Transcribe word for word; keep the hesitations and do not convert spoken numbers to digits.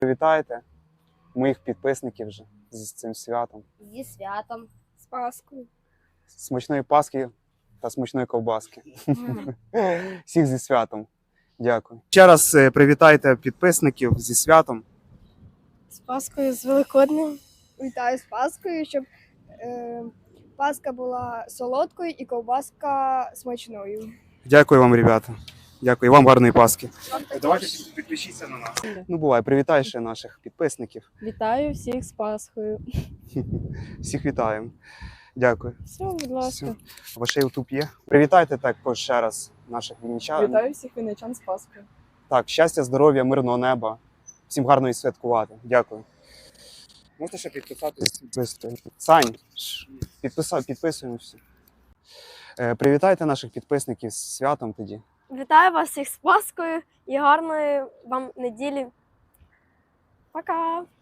Привітайте моїх підписників вже з цим святом. Зі святом. З Паскою. Смачної Пасхи та смачної ковбаски. Всіх зі святом. Дякую. Ще раз е, привітайте підписників зі святом. З Паскою, з Великоднем. Вітаю з Паскою, щоб е, Паска була солодкою і ковбаска смачною. Дякую вам, ребята. Дякую. І вам гарної Пасхи. Давайте підпишіться на нас. Ну, бувай, привітай ще наших підписників. Вітаю всіх з Пасхою. Всіх вітаємо. Дякую. Все, будь ласка. Ваш ютуб є. Привітайте також ще раз наших вінничан. Вітаю всіх вінничан з Пасхою. Так, щастя, здоров'я, мирного неба. Всім гарно і святкувати. Дякую. Можете ще підписатись? Сань, підписа... підписуємося. Е, привітайте наших підписників з святом тоді. Вітаю вас всіх з Паскою і гарної вам неділі. Пока!